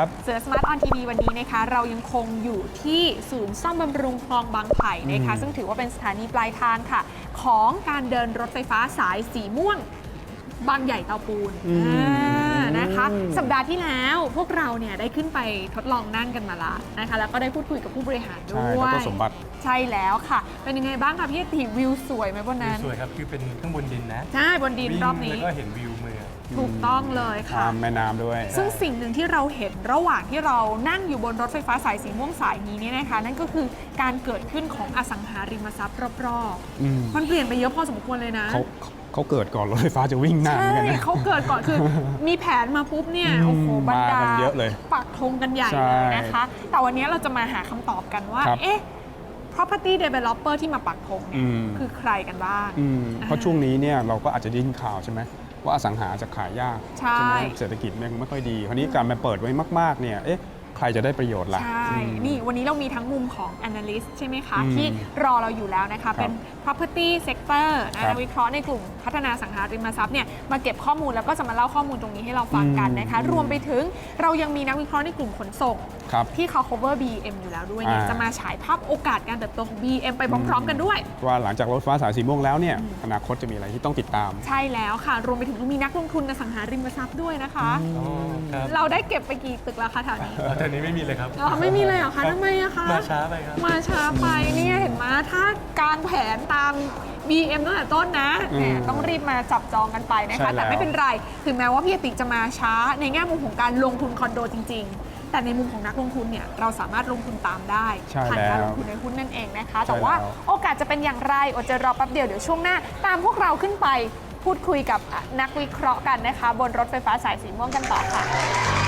ครับเสือสมาร์ทออนทีวีวันนี้นะคะเรายังคงอยู่ที่ศูนย์ซ่อมบำรุงคลองบางไผ่นะคะซึ่งถือว่าเป็นสถานีปลายทางค่ะของการเดินรถไฟฟ้าสายสีม่วงบางใหญ่เตาปูนนะคะสัปดาห์ที่แล้วพวกเราเนี่ยได้ขึ้นไปทดลองนั่งกันมาละนะคะแล้วก็ได้พูดคุยกับผู้บริหารด้วยดร.สมบัติใช่แล้วค่ะเป็นยังไงบ้างคะพี่ติวิวสวยไหมบนนั้นสวยครับคือเป็นข้างบนดินนะใช่บนดินรอบนี้แล้วก็เห็นวิวเมืองถูกต้องเลยค่ะแม่น้ำด้วยซึ่งสิ่งหนึ่งที่เราเห็นระหว่างที่เรานั่งอยู่บนรถไฟฟ้าสายสีม่วงสายนี้เนี่ยนะคะนั่นก็คือการเกิดขึ้นของอสังหาริมทรัพย์รอบๆมันเปลี่ยนไปเยอะพอสมควรเลยนะเขาเกิดก่อนรถไฟฟ้าจะวิ่งหน้าเหมือนกันนะเขาเกิดก่อนคือมีแผนมาปุ๊บเนี่ยโอ้โหบรรดาเยอะเลยปักธงกันใหญ่เลยนะคะแต่วันนี้เราจะมาหาคำตอบกันว่าเอ๊ะ property developer ที่มาปักธงเนี่ยคือใครกันบ้างเพราะช่วงนี้เนี่ยเราก็อาจจะได้ยินข่าวใช่ไหมว่าอสังหาจะขายยากใช่ไหมเศรษฐกิจไม่ค่อยดีคราวนี้การมาเปิดไว้มากๆเนี่ยเอ๊ะใครจะได้ประโยชน์ล่ะใช่นี่วันนี้เรามีทั้งมุมของ analyst ใช่ไหมคะที่รอเราอยู่แล้วนะคะเป็น property sector นักวิเคราะห์ในกลุ่มพัฒนาสังหาริมทรัพย์เนี่ยมาเก็บข้อมูลแล้วก็จะมาเล่าข้อมูลตรงนี้ให้เราฟังกันนะคะรวมไปถึงเรายังมีนักวิเคราะห์ในกลุ่มขนส่งที่เขา cover BM อยู่แล้วด้วยเนี่ยจะมาฉายภาพโอกาสการเติบโตของ BM ไปพร้อมๆกันด้วยว่าหลังจากรถไฟฟ้าสายสีม่วงแล้วเนี่ยอนาคตจะมีอะไรที่ต้องติดตามใช่แล้วค่ะรวมไปถึงมีนักลงทุนในสังหาริมทรัพย์ด้วยนะคะเราได้เก็บไปกี่ตึกแล้วคะแถวนี้แถวนี้ไม่มีเลยครับไม่มีเลยเหรอคะทำไมอะคะมาช้าไปครับมาช้าไปเนี่ยเห็นไหมถ้าการแผนตาม BM ตั้งแต่ต้นนะต้องรีบมาจับจองกันไปนะคะแต่ไม่เป็นไรถึงแม้ว่าพี่ติจะมาช้าในแง่มุมของการลงทุนคอนโดจริงๆแต่ในมุมของนักลงทุนเนี่ยเราสามารถลงทุนตามได้ผ่านการลงทุนในหุ้นนั่นเองนะคะแต่ว่าโอกาสจะเป็นอย่างไรอดใจรอแป๊บเดียวเดี๋ยวช่วงหน้าตามพวกเราขึ้นไปพูดคุยกับนักวิเคราะห์กันนะคะบนรถไฟฟ้าสายสีม่วงกันต่อค่ะ